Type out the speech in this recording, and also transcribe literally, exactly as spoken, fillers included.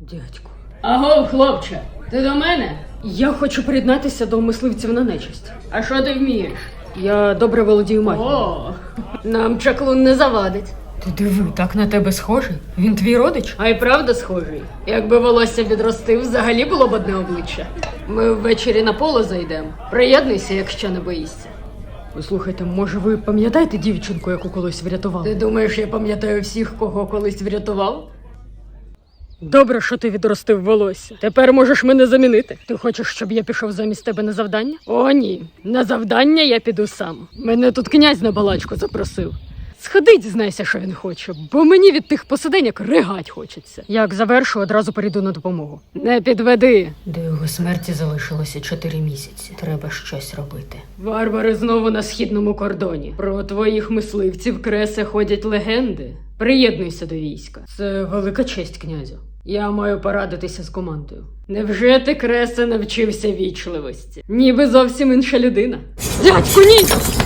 Дядьку. Аго, хлопче, ти до мене? Я хочу приєднатися до мисливців на нечисть. А що ти вмієш? Я добре володію магією. О, Нам чаклун не завадить. Ти диви, так на тебе схожий? Він твій родич? А й правда схожий. Якби волосся відростив, взагалі було б одне обличчя. Ми ввечері на поле зайдемо. Приєднуйся, якщо не боїшся. Слухайте, може ви пам'ятаєте дівчинку, яку колись врятували? Ти думаєш, я пам'ятаю всіх, кого колись врятував? Добре, що ти відростив волосся. Тепер можеш мене замінити. Ти хочеш, щоб я пішов замість тебе на завдання? О, ні. На завдання я піду сам. Мене тут князь на балачку запросив. Сходи, дізнайся, що він хоче, бо мені від тих посиденьок ригать хочеться. Як завершу, одразу перейду на допомогу. Не підведи. До його смерті залишилося чотири місяці. Треба щось робити. Варвари знову на східному кордоні. Про твоїх мисливців Кресе ходять легенди. Приєднуйся до війська. Це велика честь, князю. Я маю порадитися з командою. Невже ти, Кресе, навчився вічливості? Ніби зовсім інша людина. Дядьку, ні!